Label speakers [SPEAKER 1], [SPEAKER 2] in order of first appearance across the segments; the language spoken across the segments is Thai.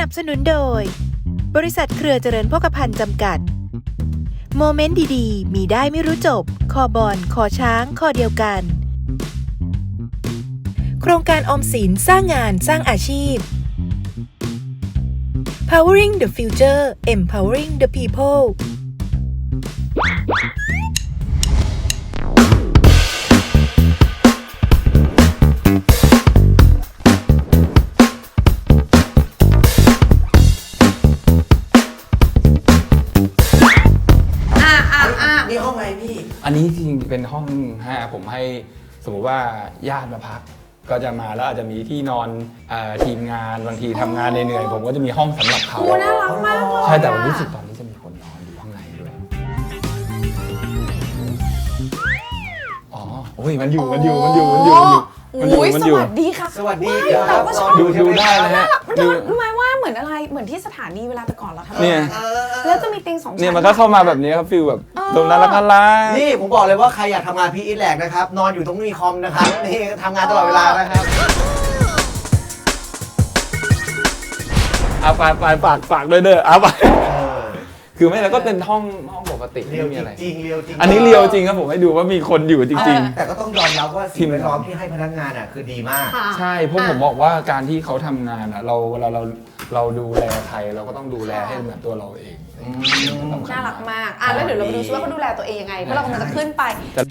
[SPEAKER 1] นับสนุนโดยบริษัทเครือเจริญโภคภัณฑ์จำกัดโมเมนต์ดีๆมีได้ไม่รู้จบคอบอลคอช้างคอเดียวกันโครงการออมสินสร้างงานสร้างอาชีพ Powering the Future Empowering the People
[SPEAKER 2] นี่ห้องอะไรพี่อันนี้จริงๆเป็นห้องผมให้สมมติว่าญาติมาพักก็จะมาแล้วอาจจะมีที่นอนทีมงานบางทีทำงานเหนื่อยๆผมก็จะมีห้องสำหรับเขา
[SPEAKER 3] น่ารักมากเลย
[SPEAKER 2] ใช่แต่ผมรู้สึกตอนนี้จะมีคนนอนอยู่ข้างในด้วยอ๋อโอ้ยมันอยู่
[SPEAKER 3] สวัสดีค่ะ
[SPEAKER 2] สวัสดีครับดูได้เลยฮะ
[SPEAKER 3] รู้ไหมว่าเหมือนอะไรเหมือนที่สถานีเวลาแต่ก่อนเราทำ
[SPEAKER 2] เนี่ย
[SPEAKER 3] แล้วจะมีเตียง2ชั้น
[SPEAKER 2] เนี่ยมันก็เข้ามาแบบนี้ครับฟิลแบบตรงนั้นแล้วก็ล่า
[SPEAKER 4] นี่ผมบอกเลยว่าใครอยากทำงานพีอีทแลกนะครับนอนอยู่ตรงนี้คอมนะครับนี่ทำงานตลอดเวลานะครับ
[SPEAKER 2] ฝากด้วยเด้อไปคือไม่แล้วก็เป็นห้องปกติไม่มีอะไร
[SPEAKER 4] จริงเรียวจริง
[SPEAKER 2] อันนี้เรียวจริงครับผมให้ดูว่ามีคนอยู่จริง
[SPEAKER 4] ๆแต่ก็ต้องยอมรับว่าสิ่งแวดล้อมที่ให้พนักงานอ่ะคือดีมาก
[SPEAKER 2] ใช่เพราะผมบอกว่าการที่เขาทำงานอ่ะเราดูแลใครเราก็ต้องดูแลให้เหมือนตัวเราเอง
[SPEAKER 3] น่ารักมากแล้วเดี๋ยวเราไปดูซิว่าเขาดูแลตัวเองยังไงเพราะเรากำลังจะขึ้นไป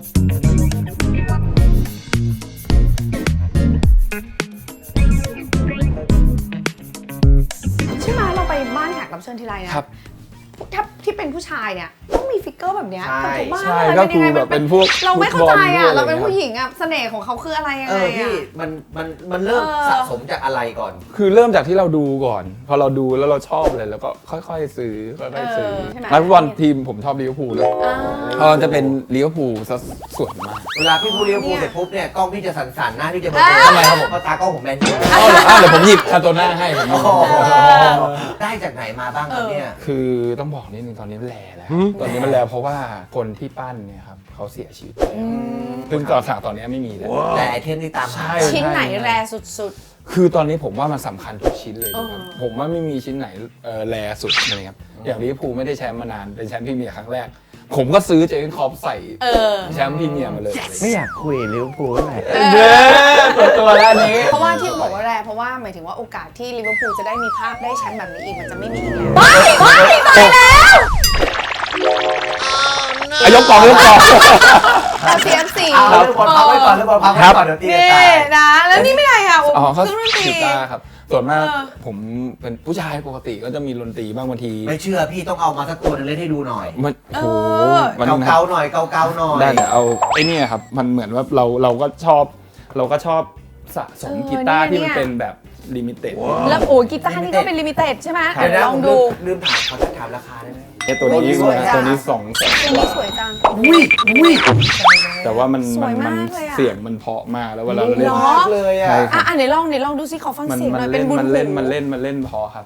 [SPEAKER 3] ใช่ไหมเราไปบ้านแขกรับเชิญทีไรนะถ้าที่เป็นผู้ชายเนี่ยต้องมีฟิกเกอร์แบบเนี้ยแต่ทุกบ้านอะไรเป็นยังไงมันเป็นพวกเราไม่เข้าใจอ่ะเราเป็นผู้หญิงอ่ะเสน่ห์ของเขาคืออะไรยังไงอ่ะ
[SPEAKER 4] พี่มันเริ่มสะสมจากอะไรก่อน
[SPEAKER 2] คือเริ่มจากที่เราดูก่อนพอเราดูแล้วเราชอบเลยแล้วก็ค่อยๆซื้อนักฟุตบอลทีมผมชอบลิเวอร์พูลเลยเพราะจะเป็นลิเวอร์พูลซะส่วนมาก
[SPEAKER 4] เวลาพี่พูดลิเวอร์พูลเสร็จปุ๊บเนี่ยกล้องพี่จะสั่นๆหน้าพี่จะเบลอ
[SPEAKER 2] ทำไมครับผม
[SPEAKER 4] เพราะตากล้องผมแมนยู
[SPEAKER 2] เดี๋ยวผมหยิบคาโตน่าให้ผม
[SPEAKER 4] ได้จากไหนมาบ้างครับเนี่ย
[SPEAKER 2] คือต้องบอกนิดนึงตอนนี้แลแล้วตอนนี้มันแลเพราะว่าคนที่ปั้นเนี่ยครับเขาเสียชีวิตซึ่งก่อนสั่งตอนนี้ไม่มีแล้ว
[SPEAKER 4] แต่ไอเทมที่ตาม
[SPEAKER 3] ชิ้นไหนแรสุด
[SPEAKER 2] คือตอนนี้ผมว่ามันสำคัญทุกชิ้นเลยครับผมว่าไม่มีชิ้นไหนแรสุดเลยครับอย่างลิเวอร์พูลไม่ได้แชมป์มานานเป็นแชมป์พรีเมียร์ครั้งแรกผมก็ซื้อเจอร์เก้นคล็อปใส่แชมป์พรีเมียร์มาเลย
[SPEAKER 4] ไม่อยากคุยลิเวอร์พูลเท่าไหร่
[SPEAKER 2] ตัวแล้วนี้
[SPEAKER 3] เพราะว่าที่บอกว่าแรเพราะว่าหมายถึงว่าโอกาสที่ลิเวอร์พูลจะได้มีภาพได้แชมป์แบบนี้อีกมันจะไม่มีอีกแล้วตายแล้ว
[SPEAKER 2] ยกกอง
[SPEAKER 3] CFC
[SPEAKER 4] เรื่องบอลพักไว้ก่อนเดี๋ยวตี
[SPEAKER 3] นะแล้วนี่ไม่ไรอ่ะ
[SPEAKER 2] เครื่องดนตรีครับส่วนมากผมเป็นผู้ชายปกติก็จะมีดนตรีบ้างบางที
[SPEAKER 4] ไม่เชื่อพี่ต้องเอามาสักตัวนึงเล่นให้ดูหน่อย
[SPEAKER 2] มันโห
[SPEAKER 4] เกาหน่อยเกาหน่อย
[SPEAKER 2] ได้แต่เอาไอ้นี่ครับมันเหมือนว่าเราก็ชอบสะสมกีตาร์ที่มันเป็นแบบลิมิเต็ด
[SPEAKER 3] แล้วกีตาร์นี่ก็เป็นลิมิเต็ดใช่ไหมลองดู
[SPEAKER 4] ลืมถามราคาได้ไหม
[SPEAKER 2] ตัวนี้200,000
[SPEAKER 3] ตัวนี้สวยจัง
[SPEAKER 2] แต่ว่ามันเสียงมันเพาะมากแล้วเวลาเราเล่น
[SPEAKER 4] เลยอ่ะ
[SPEAKER 3] ไหนลองดูสิขอฟังเสียงหน่อยเป็นบุญ
[SPEAKER 2] มันเล่นพอครับ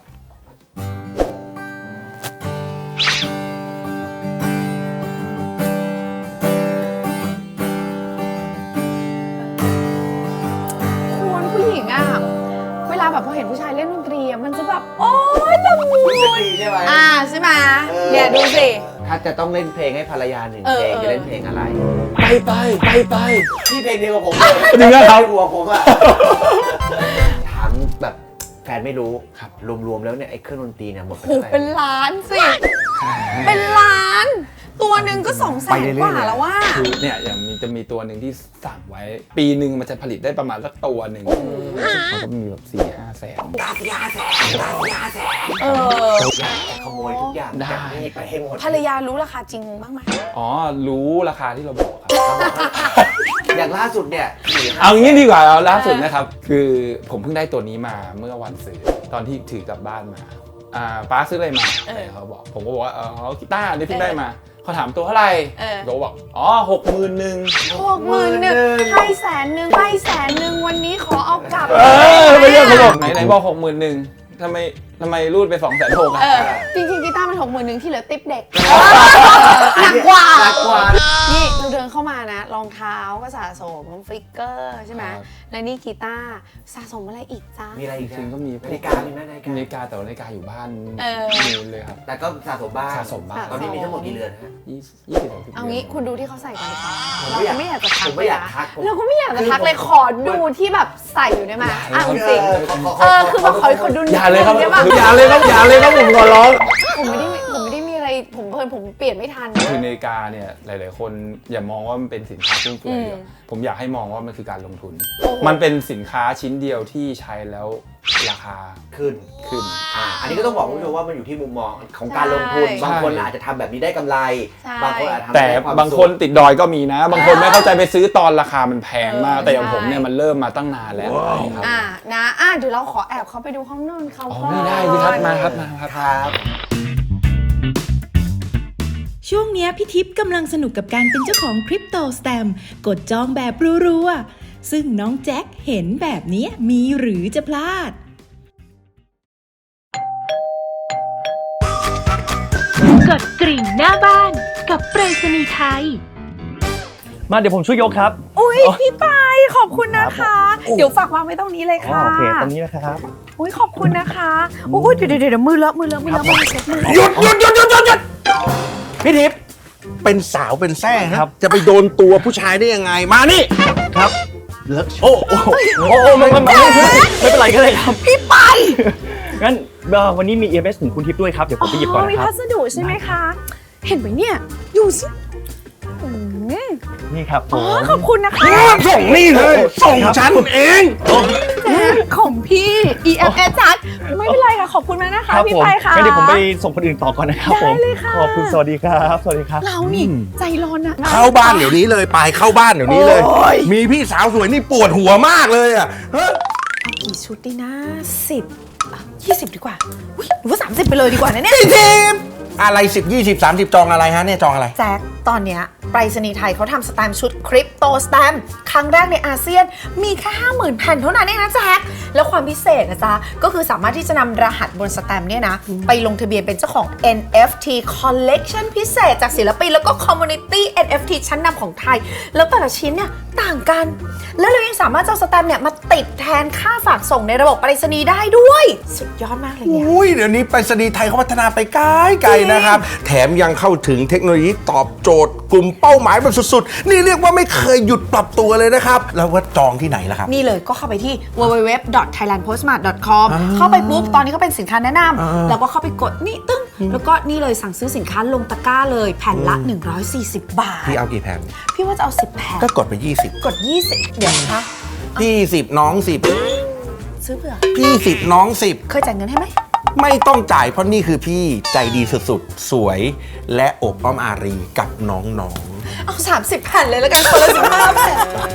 [SPEAKER 3] คนผู้หญิงอ่ะเวลาแบบพอเห็นผู้ชายเล่นดนตรีมันจะแบบโอ๊ยตะมู
[SPEAKER 4] ใช่ไหม
[SPEAKER 3] ใช่ไหมเนี่ยดูสิ
[SPEAKER 4] ถ้าจะต้องเล่นเพลงให้ภรรยา1เพลงจะเล่นเพลงอะไร
[SPEAKER 2] ไป
[SPEAKER 4] พี่เพลงเดียวกับผม
[SPEAKER 2] จริงครับ
[SPEAKER 4] หัวผมอะถามแบบแฟนไม่รู้รวมๆแล้วเนี่ยไอ้เครื่องดนตรีเนี่ยหมดไปเท่าไหร่
[SPEAKER 3] เป็นล้านสิเป็นล้านตัวหนึ่งก็200,000 กว่าแล้วว่า
[SPEAKER 2] คือเนี่ยอย่างจะมีตัวหนึ่งที่สั่งไว้ปีหนึ่งมันจะผลิตได้ประมาณสักตัวหนึ่งมันก็มีแบบ4-5 แสน
[SPEAKER 4] ยาแสนขโมยทุกอย่างได้ไปให้หมด
[SPEAKER 3] ภรรยารู้ราคาจริงบ้างไหม
[SPEAKER 2] รู้ราคาที่เราบอกครับ
[SPEAKER 4] อย่างล่าสุดเนี่ย
[SPEAKER 2] เอางี้ดีกว่าเอาล่าสุดนะครับคือผมเพิ่งได้ตัวนี้มาเมื่อวันซื้อตอนที่ถือกลับบ้านมาป้าซื้ออะไรมาเขาบอกผมก็บอกว่ากีตาร์นี่เพิ่งได้มาเขาถามตัวเท่าไหร่เขาบอก
[SPEAKER 3] 61,000ให้100,000วันนี้ขอเอากลับ
[SPEAKER 2] ไม่ใช่เขาบอกไหนบอก61,000ทำไมรูดไป260,000อ่ะ
[SPEAKER 3] จริงๆกีตาร์มัน61,000ที่เหลือติ๊บเด็กหนักกว่านี่เราเดินเข้ามานะรองเท้าก็สะสมฟิกเกอร์ใช่ไหมและนี่กีตาร์สะสมอะไรอีกจ้า
[SPEAKER 4] มีอะไรอีก
[SPEAKER 2] จริงๆก็มี
[SPEAKER 4] นาฬิกามีไหมนาฬิกา
[SPEAKER 2] นาฬิกาแต่ว่านาฬิกาอยู่บ้าน นู่นเลยครับ
[SPEAKER 4] แต่ก็สะสมบ้าง
[SPEAKER 2] สะสมบ้าง
[SPEAKER 4] ตอนนี้มีทั้งหมดกี่เรือนฮะ
[SPEAKER 2] 20-30
[SPEAKER 3] เอางี้คุณดูที่เขาใส่กันดีกว่า
[SPEAKER 4] ผม
[SPEAKER 3] เรา
[SPEAKER 4] ไม่อยาก
[SPEAKER 3] ก็ไม่อยากจะทัก
[SPEAKER 4] ผมไม่อยากทัก
[SPEAKER 3] เราก็ไม่อยากจะทักเลยขอดูที่แบบใส่อยู่ได้ไหมอ่ะจริง
[SPEAKER 4] เออ
[SPEAKER 3] คือแบบขอดู
[SPEAKER 2] อย่าเลยครับ
[SPEAKER 3] ได้ปะ
[SPEAKER 2] อย่าเลยครับอย่าเลยครับผมขอร้อง
[SPEAKER 3] ผมไม่ได้มีอะไรผมเพลินผมเปลี่ยนไม่ทัน
[SPEAKER 2] คือนาฬิกาเนี่ยหลายๆคนอย่ามองว่ามันเป็นสินค้าฟุ่มเฟือยเดียวผมอยากให้มองว่ามันคือการลงทุน
[SPEAKER 3] โอ้โห
[SPEAKER 2] มันเป็นสินค้าชิ้นเดียวที่ใช้แล้วราคา
[SPEAKER 4] ขึ้น
[SPEAKER 2] ขึ้น
[SPEAKER 4] อันนี้ก็ต้องบอกคุณผู้ชมว่ามันอยู่ที่มุมมองของการลงทุน
[SPEAKER 3] ใช่
[SPEAKER 4] บางคนอาจจะทำแบบนี้ได้กำไร
[SPEAKER 3] ใช่
[SPEAKER 4] บางคนอาจจะทำ
[SPEAKER 2] แต่
[SPEAKER 4] ได้ความ
[SPEAKER 2] บางคนติดดอยก็มีนะ บางคนไม่เข้าใจไปซื้อตอนราคามันแพงมาก แต่อย่างผมเนี่ยมันเริ่มมาตั้งนานแล้วครับ
[SPEAKER 3] นะเดี๋ยวเราขอแอบเข้าไปดูห้องนอนเขา
[SPEAKER 2] อ๋อ
[SPEAKER 3] ก่อน
[SPEAKER 2] ไม่ได้สิครับมาครับมาครับ
[SPEAKER 4] ครับ
[SPEAKER 1] ช่วงเนี้ยพี่ทิพย์กำลังสนุกกับการเป็นเจ้าของคริปโตสแตมป์กดจองแบบรัวๆซึ่งน้องแจ็คเห็นแบบเนี้ยมีหรือจะพลาด
[SPEAKER 5] กดกริ่งหน้าบ้านกับไปรษณีย์ไทย
[SPEAKER 6] มาเดี๋ยวผมช่วยยกครับ
[SPEAKER 3] อุ้ยพี่ปายขอบคุณนะคะ เดี๋ยวฝากวางไว้ตรงนี้เลยค่ะ
[SPEAKER 6] โอเคตรงนี้นะครับ
[SPEAKER 3] อุ้ยขอบคุณนะคะอุ้ยเดี๋ยวมือเลอะมือเช็ดมือ
[SPEAKER 7] หยุดพี่ทิพย์เป็นสาวเป็นแซ่ฮะ
[SPEAKER 6] ครับ
[SPEAKER 7] จะไปโดนตัวผู้ชายได้ยังไงมานี่
[SPEAKER 6] ครับ
[SPEAKER 7] เลอะโอ้โอ้
[SPEAKER 6] โอ้ไม่เป็นไรก็เลยครับ พี่ไปงั้นวันนี้มี EMS ถึงคุณทิพย์ด้วยครับ เดี๋ยวผมไปหยิบก่อน
[SPEAKER 3] มี
[SPEAKER 6] นะค
[SPEAKER 3] พั
[SPEAKER 6] รับ
[SPEAKER 3] สดุใช่ไหมคะ เห็นไหมเนี่ยดูสิอืม
[SPEAKER 6] นี่ครับผ
[SPEAKER 3] อ๋อ
[SPEAKER 6] ม
[SPEAKER 3] ขอบคุณนะคะ
[SPEAKER 7] ส่งนี่เลยส่งฉันเอง
[SPEAKER 3] แจ็คของพี่ EMS จัดไม่เป็นไรค่ะขอบคุณมากนะคะ
[SPEAKER 6] ครับ
[SPEAKER 3] พี่
[SPEAKER 6] ผม
[SPEAKER 3] ไปค่ะ
[SPEAKER 6] งั้นเดี๋ยวผมไปส่งคนอื่นต่อก่อนนะครับผม
[SPEAKER 3] ได้เลยค่ะ
[SPEAKER 6] ขอบคุณสวัสดีครับ สวัสดีครับ
[SPEAKER 3] เรานี่ใจร้อนนะ
[SPEAKER 7] เข้าบ้านเดี๋ยวนี้เลยไปเข้าบ้านเดี๋ยวนี้เลย มีพี่สาวสวยนี่ปวดหัวมากเลยอ่ะเฮ้ย
[SPEAKER 3] กี่ชุดดีนะ20 ดีกว่าอุ๊ยหรือว่า30ไปเลยดีกว่านะเนี่ย
[SPEAKER 7] พี่ทิพย์อะไร10 20 30จองอะไรฮะเนี่ยจองอะไร
[SPEAKER 3] แจ็คตอนเนี้ยไปรษณีย์ไทยเขาทำสแตมป์ชุดคริปโตสแตมป์ครั้งแรกในอาเซียนมีแค่ 50,000 แผ่นเท่านั้นเองนะแจ็คแล้วความพิเศษนะจ๊ะก็คือสามารถที่จะนำรหัสบนสแตมป์เนี่ยนะ ไปลงทะเบียนเป็นเจ้าของ NFT Collection พิเศษจากศิลปินแล้วก็ Community NFT ชั้นนำของไทย แล้วแต่ละชิ้นเนี่ยต่างกัน แล้วเรายังสามารถเอาสแตมป์เนี่ยมาติดแทนค่าฝากส่งในระบบไปรษณีย์ได้ด้วยสุดยอดมากเลยเนี่ย
[SPEAKER 7] อุ้ยเดี๋ยวนี้ไปรษณีย์ไทยเขาพัฒนาไปไกลๆนะครับ แถมยังเข้าถึงเทคโนโลยีตอบโจทย์กลุ่มเป้าหมายแบบสุดๆ นี่เรียกว่าไม่เคยหยุดปรับตัวเลยนะครับ แล้วว่าจองที่ไหนล่ะครับ
[SPEAKER 3] นี่เลยก็เข้าไปที่ www.thailandpostmart.com เข้าไปปุ๊บตอนนี้ก็เป็นสินค้าแนะนำแล้วก็เข้าไปกดนี่ตึ้งแล้วก็นี่เลยสั่งซื้อสินค้าลงตะกร้าเลยแผ่นละ 140 บาท
[SPEAKER 7] พี่เอากี่แผ่น
[SPEAKER 3] พี่ว่าจะเอา 10 แผ่น
[SPEAKER 7] ก็กดไป 20
[SPEAKER 3] กด 20 เดี๋ยวนะคะ
[SPEAKER 7] พี่10น้อง
[SPEAKER 3] ซื้อเผื่อ
[SPEAKER 7] 10พี่10น้อง
[SPEAKER 3] เคยจ่ายเงินให้ไหม
[SPEAKER 7] 10ไม่ต้องจ่ายเพราะนี่คือพี่ใจดีสุดๆ สวยและอบอ้อมอารีกับน้องๆ
[SPEAKER 3] เอา 30 แผ่นเลยแล้วกันคนละ15 แผ่น